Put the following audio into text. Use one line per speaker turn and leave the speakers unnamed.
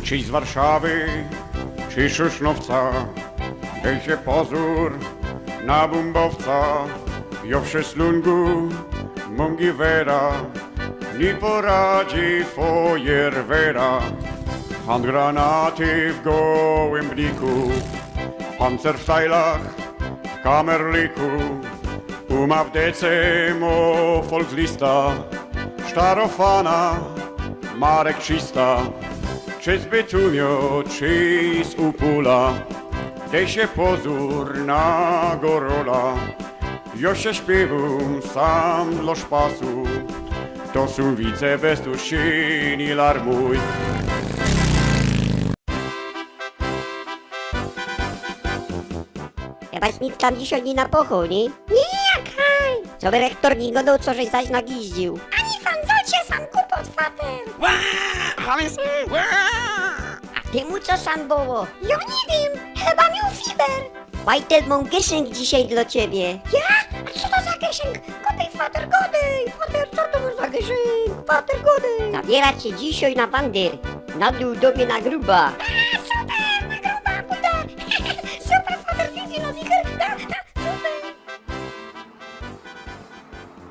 Czyś z Warszawy, czy Szyszynowca, dej się pozór na bumbowca. Jo w Szeslungu mungi wera, nie poradzi fojerwera. Handgranaty w gołym bliku, pancer w stajlach, w kamerliku. Uma w decemo Volkslista, Starofana, Marek Czysta. Czy z Bytumio, czy z Upula, dej się pozór na gorola. Jo się śpiewam sam dla szpasu, to są wice bez duszy larmuj.
Chyba nikt tam dzisiaj nie napochał, nie?
Nie, jak haj!
Co by rektor nie godał, co żeś zaś nagiździł.
Ani fanzocie sam kupot fater!
A ty mu co sam było?
Ja nie wiem, chyba miał fiber!
Bajtel mam gieszynk dzisiaj dla ciebie.
Ja? A co to za geszynk? Godej fater, godej! Fater, co to masz za geszynk? Fater, godej!
Zabiera cię dzisiaj na bandyr. Na dół do mnie na gruba.